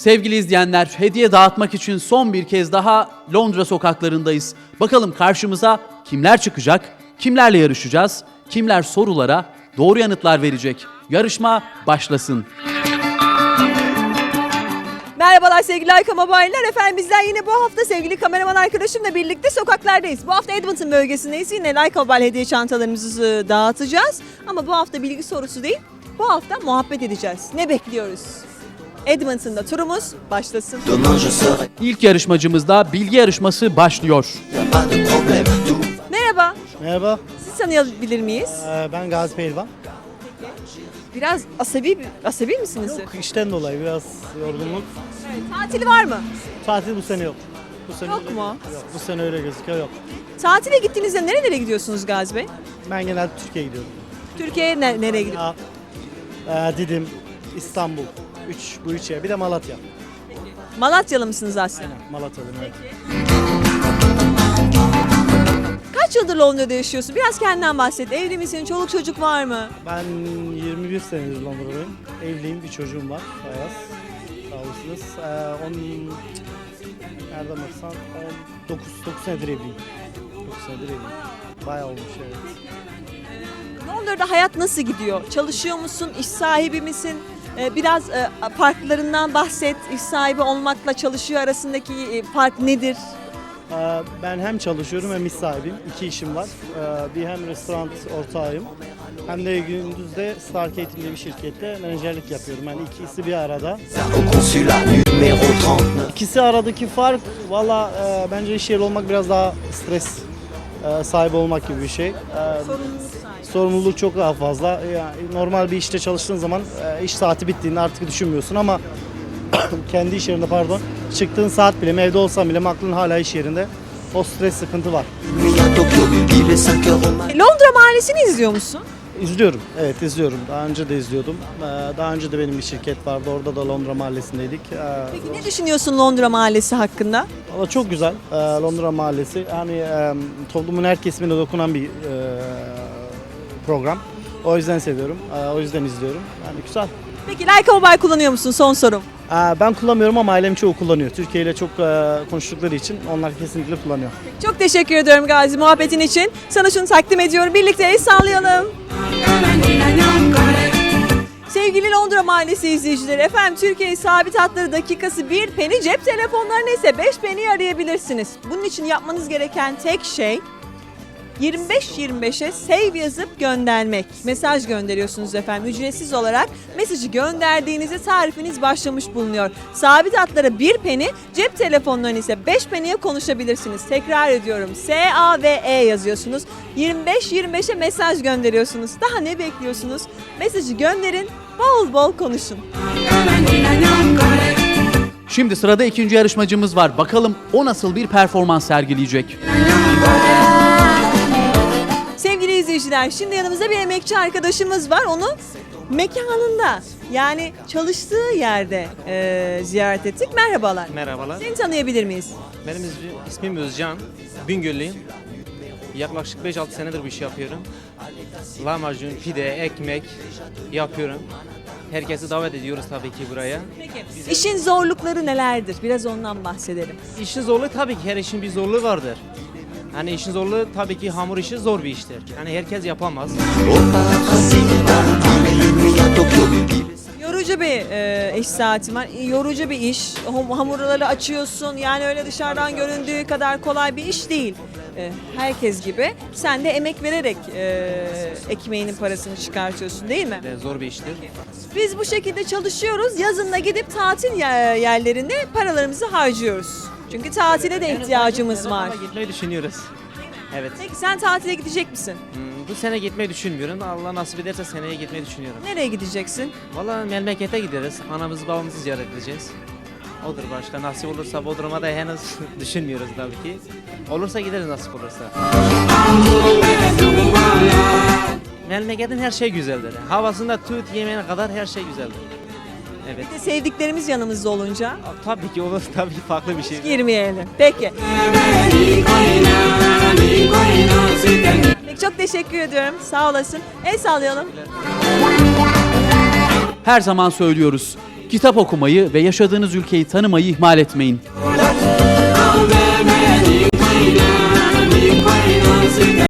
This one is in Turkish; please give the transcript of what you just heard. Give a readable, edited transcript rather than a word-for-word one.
Sevgili izleyenler, hediye dağıtmak için son bir kez daha Londra sokaklarındayız. Bakalım karşımıza kimler çıkacak, kimlerle yarışacağız, kimler sorulara doğru yanıtlar verecek. Yarışma başlasın. Merhabalar sevgili Leica Mobile'ler. Efendim bizler yine bu hafta sevgili kameraman arkadaşımla birlikte sokaklardayız. Bu hafta Edmonton bölgesindeyiz. Yine Leica Mobile hediye çantalarımızı dağıtacağız. Ama bu hafta bilgi sorusu değil, bu hafta muhabbet edeceğiz. Ne bekliyoruz? Edmonton'da turumuz başlasın. İlk yarışmacımızda bilgi yarışması başlıyor. Merhaba, Merhaba, sizi tanıyabilir miyiz? ben Gazi Pehlivan. Biraz asabi misiniz? Yok, işten dolayı biraz yorgunluk. Evet, tatili var mı? Tatil bu sene yok. Bu sene Yok öyle, mu? Yok, bu sene öyle gözüküyor, yok. Tatile gittiğinizde nerelere gidiyorsunuz Gazi Bey? Ben genelde Türkiye'ye gidiyorum. Türkiye'ye nereye gidiyorsunuz? Didim, İstanbul, bu üç yer. Bir de Malatya. Malatyalı mısınız aslında? Malatya'lıyım, evet. Kaç yıldır Londra'da yaşıyorsun? Biraz kendinden bahset. Evli misin? Çoluk çocuk var mı? Ben 21 senedir Londra'dayım. Evliyim, bir çocuğum var, Ayaz. Sağ olasınız. Nereden baksan 9 senedir evliyim. 9 senedir evliyim. Bayağı olmuş, evet. Londra'da hayat nasıl gidiyor? Çalışıyor musun? İş sahibi misin? Biraz farklarından bahset. İş sahibi olmakla çalışıyor arasındaki fark nedir? Ben hem çalışıyorum hem iş sahibiyim. 2 işim var. Bir hem restoran ortağıyım hem de gündüz de Star Catering diye bir şirkette menajerlik yapıyorum. Yani ikisi bir arada. İkisi aradaki fark valla bence iş yeri olmak biraz daha stres sahibi olmak gibi bir şey. Sorumluluk sahibi. Sorumluluk çok daha fazla. Yani normal bir işte çalıştığın zaman iş saati bittiğinde artık düşünmüyorsun ama kendi iş yerinde çıktığın saat bile evde olsan bile aklın hala iş yerinde. O stres sıkıntı var. Londra Mahallesi'ni izliyor musun? İzliyorum. Evet, izliyorum. Daha önce de izliyordum. Daha önce de benim bir şirket vardı. Orada da Londra Mahallesi'ndeydik. Peki ne düşünüyorsun Londra Mahallesi hakkında? Valla çok güzel. Londra Mahallesi. Yani toplumun her kesimine dokunan bir program. O yüzden seviyorum. O yüzden izliyorum. Yani güzel. Peki Leica Mobile kullanıyor musun? Son sorum. Ben kullanmıyorum ama ailem çoğu kullanıyor. Türkiye ile çok konuştukları için onlar kesinlikle kullanıyor. Çok teşekkür ediyorum Gazi muhabbetin için. Sana şunu takdim ediyorum. Birlikte el sallayalım. Sevgili Londra Mahallesi izleyicileri, efendim Türkiye sabit hatları dakikası 1 penny, cep telefonlarını ise 5 penny arayabilirsiniz. Bunun için yapmanız gereken tek şey 25-25'e save yazıp göndermek. Mesaj gönderiyorsunuz efendim ücretsiz olarak. Mesajı gönderdiğinizde tarifiniz başlamış bulunuyor. Sabit hatlara 1 penny, cep telefonlarını ise 5 penny'e konuşabilirsiniz. Tekrar ediyorum, S-A-V-E yazıyorsunuz. 25-25'e mesaj gönderiyorsunuz. Daha ne bekliyorsunuz? Mesajı gönderin, bol bol konuşun. Şimdi sırada ikinci yarışmacımız var. Bakalım o nasıl bir performans sergileyecek. Sevgili izleyiciler, şimdi yanımızda bir emekçi arkadaşımız var. Onu mekanında, yani çalıştığı yerde ziyaret ettik. Merhabalar. Merhabalar. Seni tanıyabilir miyiz? Benim ismim Özcan. Bingöllüyüm. Yaklaşık 5-6 senedir bu işi yapıyorum. Lahmacun, pide, ekmek yapıyorum. Herkesi davet ediyoruz tabii ki buraya. Peki. İşin zorlukları nelerdir? Biraz ondan bahsedelim. İşin zorluğu tabii ki her işin bir zorluğu vardır. Hani işin zorluğu tabii ki hamur işi zor bir iştir. Yani herkes yapamaz. Yorucu bir iş saati var. Yorucu bir iş. Hamurları açıyorsun. Yani öyle dışarıdan göründüğü kadar kolay bir iş değil. Herkes gibi. Sen de emek vererek ekmeğinin parasını çıkartıyorsun değil mi? Zor bir iştir. Biz bu şekilde çalışıyoruz. Yazın da gidip tatil yerlerinde paralarımızı harcıyoruz. Çünkü tatile de ihtiyacımız var. Ama gitmeyi düşünüyoruz. Evet. Peki sen tatile gidecek misin? Bu sene gitmeyi düşünmüyorum. Allah nasip ederse seneye gitmeyi düşünüyorum. Nereye gideceksin? Valla memlekete gideriz. Anamızı babamızı ziyaret edeceğiz. Odur başka. Nasip olursa Bodrum'a da henüz düşünmüyoruz tabii ki. Olursa gideriz nasip olursa. Memleketin her şey güzeldir. Havasında tut yemeğine kadar her şey güzeldir. Evet. Bir de sevdiklerimiz yanımızda olunca Tabii ki olur. Tabii ki farklı bir şey. girmeyelim. Peki. Peki çok teşekkür ediyorum. Sağ olasın. El sallayalım. Her zaman söylüyoruz. Kitap okumayı ve yaşadığınız ülkeyi tanımayı ihmal etmeyin.